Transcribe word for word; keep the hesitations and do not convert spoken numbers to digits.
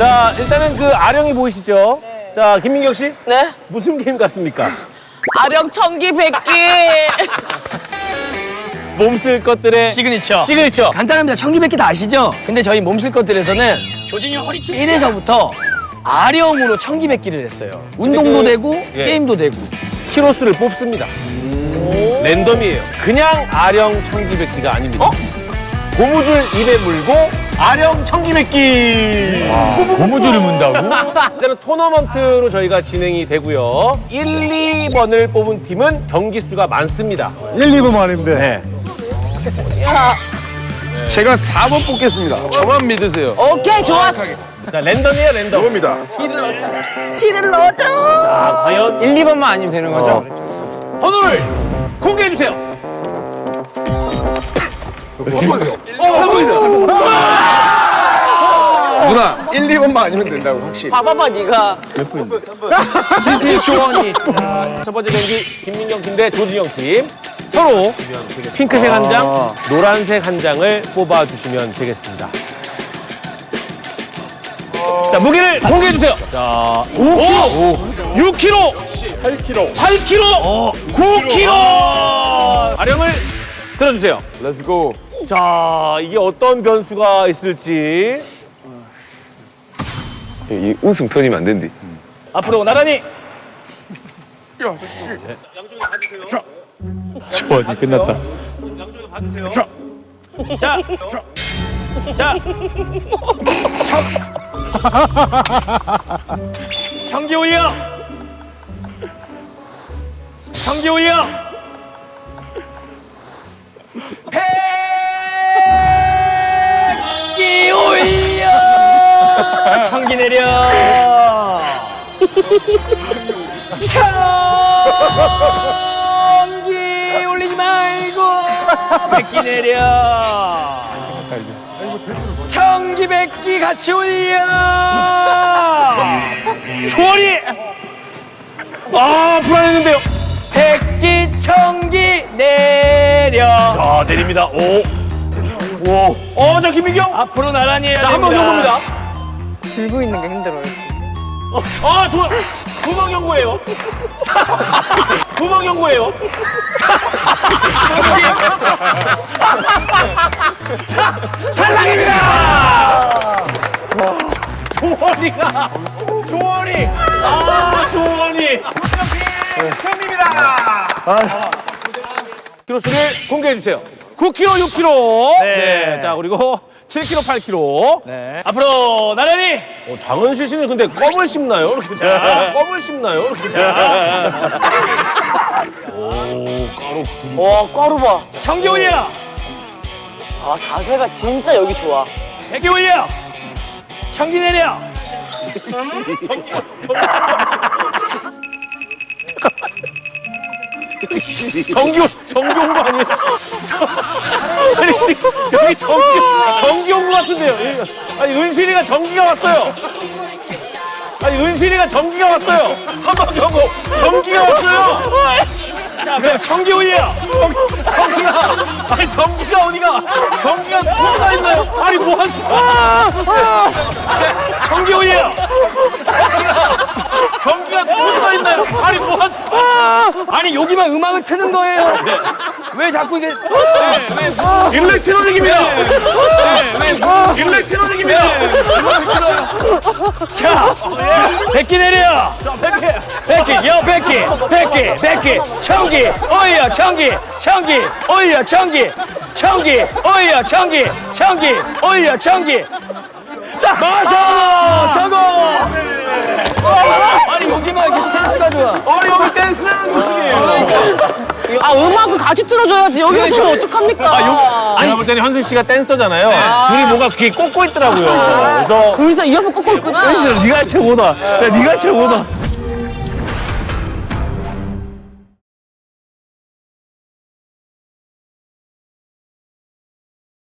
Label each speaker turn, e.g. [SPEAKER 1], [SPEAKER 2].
[SPEAKER 1] 자, 일단은 그 아령이 보이시죠? 네. 자, 김민경 씨.
[SPEAKER 2] 네?
[SPEAKER 1] 무슨 게임 같습니까?
[SPEAKER 2] 아령 청기 백기.
[SPEAKER 1] 몸쓸 것들의
[SPEAKER 3] 시그니처.
[SPEAKER 1] 시그니처.
[SPEAKER 3] 간단합니다. 청기백기 다 아시죠? 근데 저희 몸쓸 것들에서는
[SPEAKER 4] 조진이 허리춤.
[SPEAKER 3] 일 회서부터 아령으로 청기백기를 했어요. 운동도
[SPEAKER 1] 그,
[SPEAKER 3] 되고
[SPEAKER 1] 예.
[SPEAKER 3] 게임도 되고.
[SPEAKER 1] 히로스를 뽑습니다. 랜덤이에요. 그냥 아령 청기백기가 아닙니다.
[SPEAKER 3] 어?
[SPEAKER 1] 고무줄 입에 물고 아령 청기백기.
[SPEAKER 5] 고무줄을 문다고?
[SPEAKER 1] 일단은 토너먼트로 저희가 진행이 되고요. 일, 이 번을 뽑은 팀은 경기 수가 많습니다.
[SPEAKER 5] 일, 이 번만 아니면 돼.
[SPEAKER 1] 네.
[SPEAKER 2] 야,
[SPEAKER 5] 제가 사 번 뽑겠습니다. 저만 믿으세요.
[SPEAKER 2] 오케이, 좋았어.
[SPEAKER 1] 자, 랜덤이에요, 랜덤.
[SPEAKER 5] 이겁니다.
[SPEAKER 2] 피를 넣자. 피를 넣어줘.
[SPEAKER 1] 자, 과연
[SPEAKER 3] 일, 이 번만 아니면 되는 거죠?
[SPEAKER 1] 번호를 공개해 주세요.
[SPEAKER 5] 누나, 일, 이 번만 아니면 된다고, 확실히.
[SPEAKER 2] 봐봐봐, 네가.
[SPEAKER 3] 조원이.
[SPEAKER 1] 첫 번째 경기 김민경 팀 대 조진영 팀. 서로 핑크색 한 장, 노란색 한 장을 뽑아 주시면 되겠습니다. 자, 무게를 공개해 주세요. 자, 오 킬로그램, 육 킬로그램, 팔 킬로그램, 팔 킬로그램, 구 킬로그램. 아령을 들어 주세요.
[SPEAKER 5] 렛츠고.
[SPEAKER 1] 자, 이게 어떤 변수가 있을지.
[SPEAKER 5] 이 웃음 터지면 안 된대.
[SPEAKER 1] 앞으로 나란히.
[SPEAKER 5] 좋아지 끝났다.
[SPEAKER 3] 자, 자, 청, 청기 올려. 청기 올려. 백기 올려. 청기 내려. 청기 올리지 말고 백기 내려. 청기 백기 같이 올려.
[SPEAKER 1] 조원이. 아, 불안했는데요.
[SPEAKER 3] 백기 청기 내려.
[SPEAKER 1] 자, 내립니다. 오. 오. 어, 저 김민경.
[SPEAKER 3] 앞으로 나란히 해야
[SPEAKER 1] 자, 한 번
[SPEAKER 3] 됩니다.
[SPEAKER 1] 경고입니다.
[SPEAKER 2] 들고 있는 게 힘들어요.
[SPEAKER 1] 아, 좋아. 두 번 경고예요. 두 번 경고예요. 자, 탈락입니다. 조원이가. 조원이. 아, 조원이. 승리입니다. 키로수를 공개해 주세요. 구 킬로그램, 육 킬로그램.
[SPEAKER 3] 네.
[SPEAKER 1] 자, 그리고 칠 킬로그램, 팔 킬로그램.
[SPEAKER 3] 네. 앞으로 나란히.
[SPEAKER 1] 어, 장은실 씨는 근데 껌을 씹나요? 이렇게. 자, 껌을 씹나요? 이렇게. 자. 오, 까로.
[SPEAKER 2] 와, 꽈루 봐.
[SPEAKER 3] 청기 올려.
[SPEAKER 2] 아, 자세가 진짜 여기 좋아.
[SPEAKER 3] 백기 올려. 청기 내려.
[SPEAKER 1] 정규, 정규 온 거 아니에요? 저- 아니, 지금 여기 정규, 정규 온 거 같은데요? 여기- 아니, 은실이가 정기가 왔어요. 아니, 은실이가 정기가 왔어요. 한 번 경고, 정기가 왔어요.
[SPEAKER 3] 자, 그럼 청기 올려.
[SPEAKER 1] 정기가, 아니, 정기가 어디가? 정기가 수가 있나요? 아니, 뭐 한, 아,
[SPEAKER 3] 청기 올려.
[SPEAKER 1] 정기가 수가 있나요? 아니, 뭐 한, 아,
[SPEAKER 3] 아니 여기만 음악을 트는 거예요. 왜 자꾸 이게?
[SPEAKER 1] 일렉트로닉입니다. 일렉트로닉입니다.
[SPEAKER 3] 자, 백기 내려. 백기, 여 백기, 백기, 백기, 청기, 올려, 청기, 청기, 올려, 청기, 청기, 올려, 청기, 청기, 올려, 청기. 마서 성공. 아니 여기만 이렇게 스탠스가 좋아.
[SPEAKER 1] 어, 여기 댄스 무슨이에요?
[SPEAKER 2] 아, 음악을 같이 틀어줘야지. 여기 서면 어떡합니까?
[SPEAKER 1] 제가 볼 때는 현승 씨가 댄서잖아요. 둘이 뭔가 귀에 꽂고 있더라고요. 그래서
[SPEAKER 2] 둘이서 이어폰 꽂고 있구나.
[SPEAKER 1] 네가 최고다. 야, 네가 최고다.